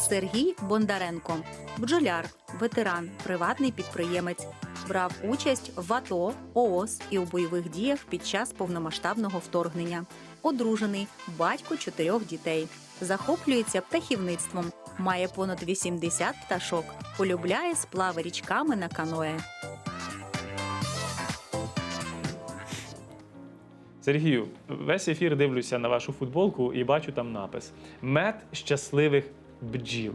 Сергій Бондаренко – бджоляр, ветеран, приватний підприємець. Брав участь в АТО, ООС і у бойових діях під час повномасштабного вторгнення. Одружений, батько 4 дітей. Захоплюється птахівництвом. Має понад 80 пташок. Полюбляє сплави річками на каное. Сергію, весь ефір дивлюся на вашу футболку і бачу там напис «Мед щасливих бджіл».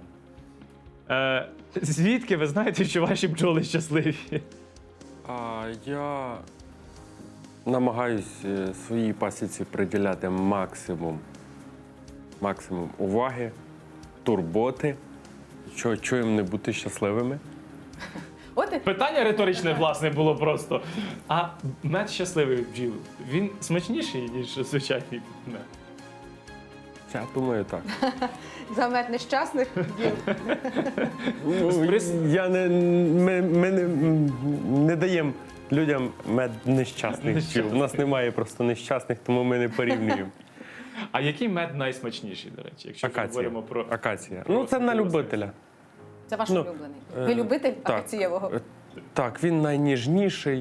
Звідки ви знаєте, що ваші бджоли щасливі? Я намагаюсь своїй пасіці приділяти максимум уваги, турботи, що їм не бути щасливими. Питання риторичне, власне, було просто. А мед щасливих бджіл, він смачніший, ніж звичайний мед? Я думаю, так. За мед нещасних бджіл. Ми не даємо людям мед нещасних бджіл. У нас немає просто нещасних, тому ми не порівнюємо. А який мед найсмачніший, до речі, якщо ми говоримо про... Акація. Ну, це на любителя. Це ваш улюблений. Ви любитель акацієвого? Так, він найніжніший,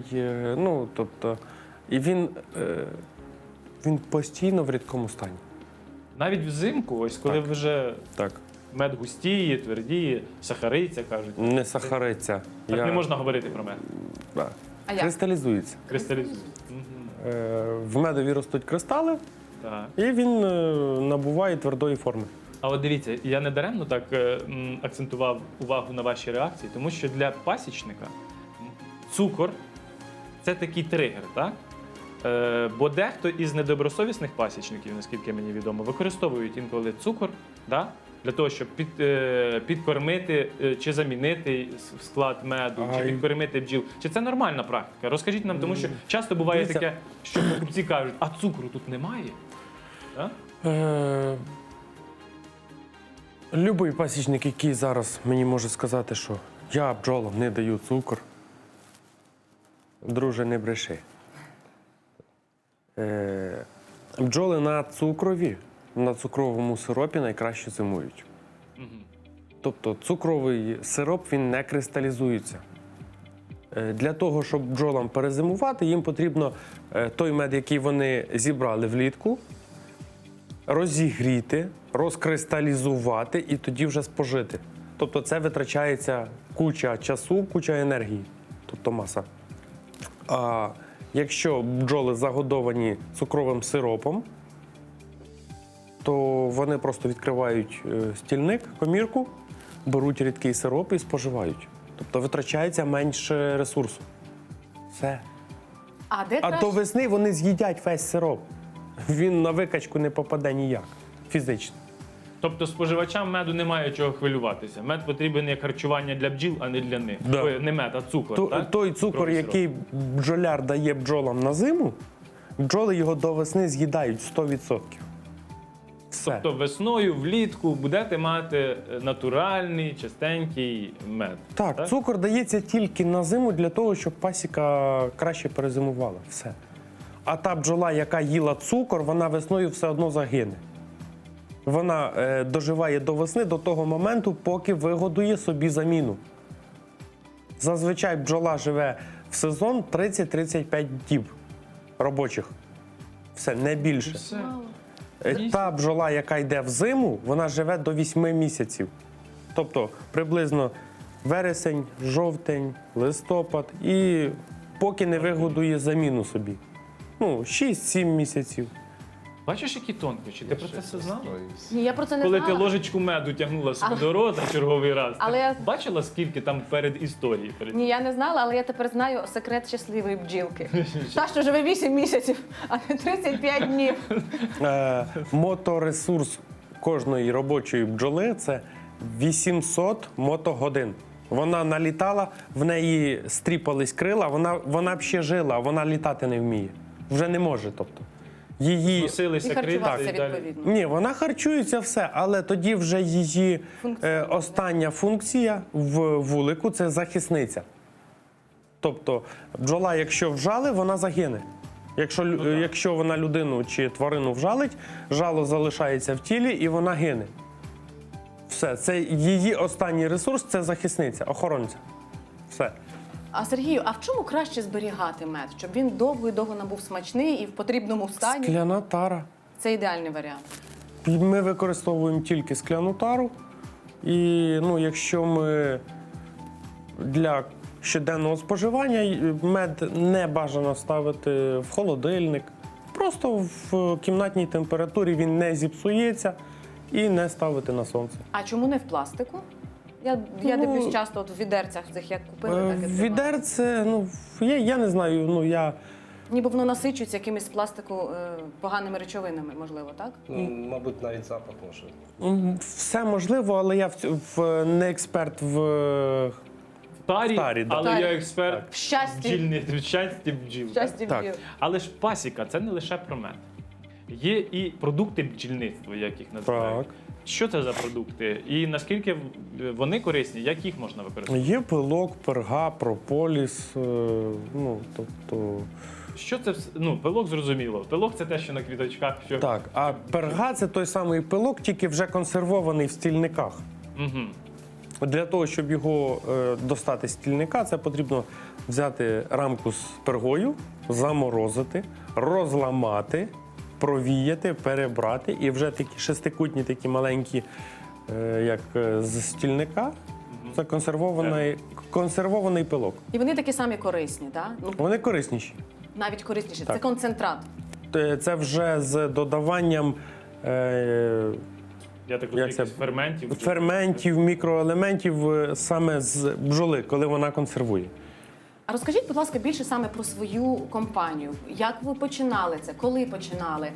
і він постійно в рідкому стані. Навіть взимку, ось коли вже мед густіє, твердіє, сахариться, кажуть. Не сахариться. Так не можна говорити про мед. А як? Кристалізується. Кристалізується. В медові ростуть кристали, Так. і він набуває твердої форми. А от дивіться, я не даремно так акцентував увагу на ваші реакції, тому що для пасічника цукор – це такий тригер, так? Бо дехто із недобросовісних пасічників, наскільки мені відомо, використовують інколи цукор, да? Для того, щоб підкормити чи замінити склад меду, чи підкормити бджіл. Чи це нормальна практика? Розкажіть нам, тому що часто буває таке, що покупці кажуть, а цукру тут немає. Да? Любий пасічник, який зараз мені може сказати, що я бджолам не даю цукор, друже, не бреши. Бджоли на цукрові, на цукровому сиропі найкраще зимують. Тобто цукровий сироп, він не кристалізується. Для того, щоб бджолам перезимувати, їм потрібно той мед, який вони зібрали влітку, розігріти, розкристалізувати і тоді вже спожити. Тобто це витрачається куча часу, куча енергії, тобто маса. А якщо бджоли загодовані цукровим сиропом, то вони просто відкривають стільник, комірку, беруть рідкий сироп і споживають. Тобто витрачається менше ресурсу. Все. А до весни вони з'їдять весь сироп. Він на викачку не попаде ніяк, фізично. Тобто споживачам меду немає чого хвилюватися. Мед потрібен як харчування для бджіл, а не для них. Да. Ой, не мед, а цукор. Так? Той цукор, який бджоляр дає бджолам на зиму, бджоли його до весни з'їдають 100%. Все. Тобто весною, влітку будете мати натуральний, чистенький мед. Так, цукор дається тільки на зиму для того, щоб пасіка краще перезимувала. Все. А та бджола, яка їла цукор, вона весною все одно загине. Вона доживає до весни, до того моменту, поки вигодує собі заміну. Зазвичай бджола живе в сезон 30-35 діб робочих. Все, не більше. Все. Та бджола, яка йде в зиму, вона живе до 8 місяців. Тобто приблизно вересень, жовтень, листопад і поки не вигодує заміну собі. 6-7 місяців. Бачиш, які тонкощі? Ти про це все знала? Ні, я про це не Коли знала. ти ложечку меду тягнула собі до рота черговий раз, Але я- бачила, скільки там перед історією? Ні, я не знала, але я тепер знаю секрет щасливої бджілки. Та, що живе 8 місяців, а не 35 днів. Моторесурс кожної робочої бджоли – це 800 мотогодин. Вона налітала, в неї стріпались крила, вона б ще жила, а вона літати не вміє. Вже не може, тобто. Її... Носилися І харчуватися крила і далі. відповідно. Ні, вона харчується все, але тоді вже її остання функція в вулику – це захисниця. Тобто бджола, якщо вжали, вона загине. Якщо вона людину чи тварину вжалить, жало залишається в тілі і вона гине. Все, це її останній ресурс, це захисниця, охоронця. Все. А Сергію, а в чому краще зберігати мед, щоб він довго і довго набув смачний і в потрібному стані? Скляна тара. Це ідеальний варіант. Ми використовуємо тільки скляну тару. І якщо ми для щоденного споживання мед не бажано ставити в холодильник, просто в кімнатній температурі він не зіпсується і не ставити на сонце. А чому не в пластику? Я дивлюсь часто от в відерцях цих, як купили, так і тримаю. Відерце, я не знаю, Ніби воно насичується якимись з пластику поганими речовинами, можливо, так? Мабуть, навіть запах може. все можливо, але я не експерт в Тарі, Тарі, да. але Тарі. я експерт В щасті. в щасті бджіл. Щастя Так. бджіл. Але ж пасіка це не лише про мед. Є і продукти бджільництва, як їх називають. Так. Що це за продукти? І наскільки вони корисні, як їх можна використовувати? Є пилок, перга, прополіс, тобто. Що це пилок зрозуміло. Пилок це те, що на квіточках. Що... Так, а перга це той самий пилок, тільки вже консервований в стільниках. Угу. Для того, щоб його достати з стільника, це потрібно взяти рамку з пергою, заморозити, розламати, провіяти, перебрати. І вже такі шестикутні, такі маленькі, як з стільника, це консервований пилок. І вони такі самі корисні, так? Вони корисніші. Навіть корисніші. Так. Це концентрат. Це вже з додаванням Я так розумію, Як це? якихось ферментів. ферментів, мікроелементів саме з бджоли, коли вона консервує. А розкажіть, будь ласка, більше саме про свою компанію. Як ви починали це? Коли починали?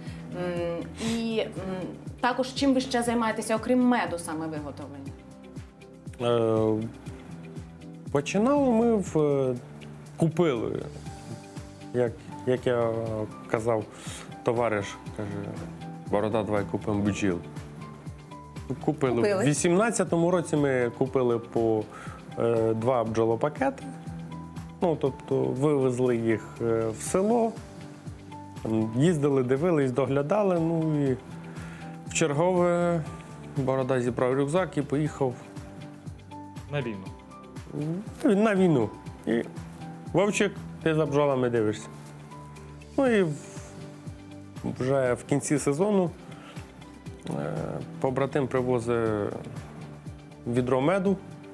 І також чим ви ще займаєтеся, окрім меду, саме виготовлення? Починали ми купили, як я казав, товариш, каже, Борода, давай купимо бджіл. Купили. Купили. В 18-му році ми купили по 2 бджолопакети. Тобто вивезли їх в село, там їздили, дивились, доглядали. І в чергове Борода зібрав рюкзак і поїхав На війну. на війну. І Вовчик, ти за бджолами дивишся. І вже в кінці сезону побратим привозить відро меду.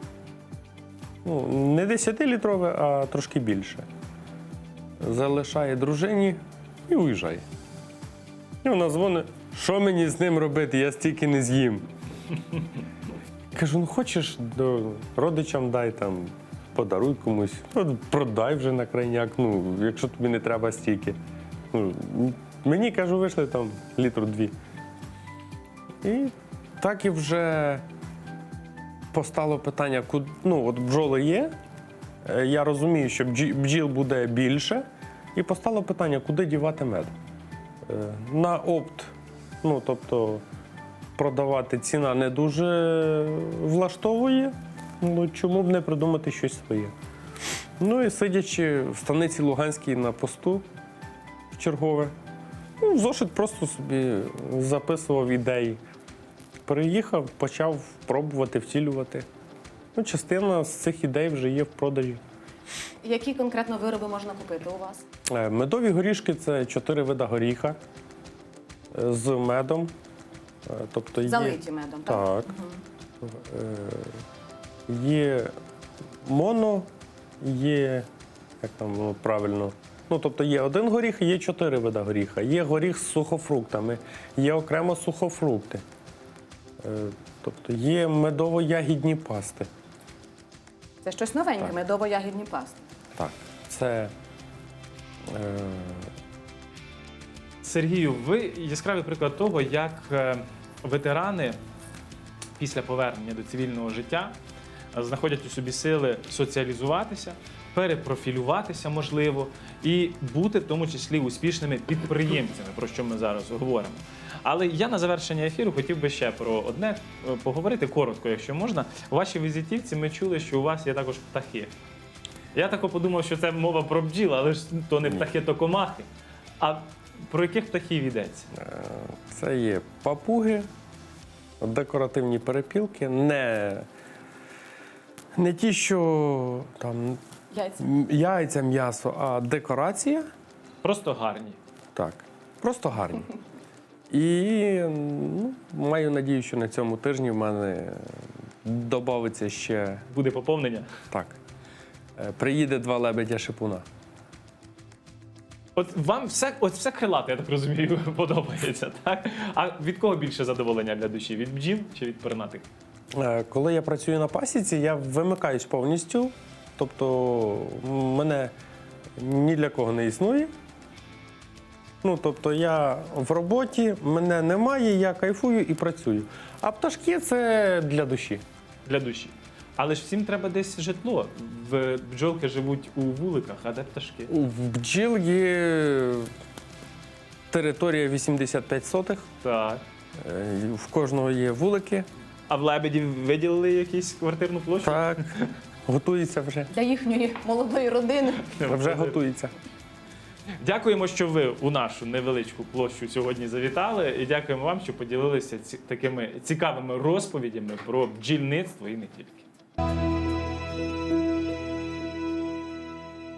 Не 10-літрове, а трошки більше. Залишає дружині і уїжджає. І вона дзвонить, що мені з ним робити, я стільки не з'їм. Кажу, хочеш, родичам дай, подаруй комусь, продай вже на крайняк, якщо тобі не треба стільки. Мені, кажу, вийшли літру 2. І так і вже постало питання, от бджоли є, я розумію, що бджіл буде більше, і постало питання, куди дівати мед. На опт, тобто продавати ціна не дуже влаштовує, чому б не придумати щось своє. І сидячи в станиці Луганській на посту в чергове, в зошит просто собі записував ідеї. Приїхав, почав пробувати, втілювати. Частина з цих ідей вже є в продажі. Які конкретно вироби можна купити у вас? Медові горішки – це 4 вида горіха з медом. Тобто Залиті медом, так? Так. Є моно, є, як там воно правильно, тобто є один горіх і є 4 вида горіха. Є горіх з сухофруктами, є окремо сухофрукти. Тобто є медово-ягідні пасти. Це щось новеньке, медово-ягідні пасти. Так, це Сергію, ви яскравий приклад того, як ветерани після повернення до цивільного життя знаходять у собі сили соціалізуватися, перепрофілюватися, можливо, і бути в тому числі успішними підприємцями, про що ми зараз говоримо. Але я на завершення ефіру хотів би ще про одне поговорити коротко, якщо можна. У вашій візитівці ми чули, що у вас є також птахи. Я так подумав, що це мова про бджіл, але ж то не птахи, то комахи. А про яких птахів йдеться? Це є папуги, Декоративні перепілки, не ті, що там Яйця. яйця, м'ясо, а декорація. Просто гарні. Так, просто гарні. І маю надію, що на цьому тижні в мене додається ще Буде поповнення. так. Приїде 2 лебедя шипуна. От вам все крилате, я так розумію, подобається, так? А від кого більше задоволення для душі? Від бджіл чи від пернатих? Коли я працюю на пасіці, я вимикаюсь повністю. Тобто мене ні для кого не існує. Тобто я в роботі, мене немає, я кайфую і працюю. А пташки це для душі. Для душі. Але ж всім треба десь житло. Бджолки живуть у вуликах, а де пташки? В бджіл є територія 85 сотих, Так. в кожного є вулики. А в лебедів виділили якусь квартирну площу? Так, готується вже. Для їхньої молодої родини. Вже готується. Дякуємо, що ви у нашу невеличку площу сьогодні завітали. І дякуємо вам, що поділилися такими цікавими розповідями про бджільництво і не тільки.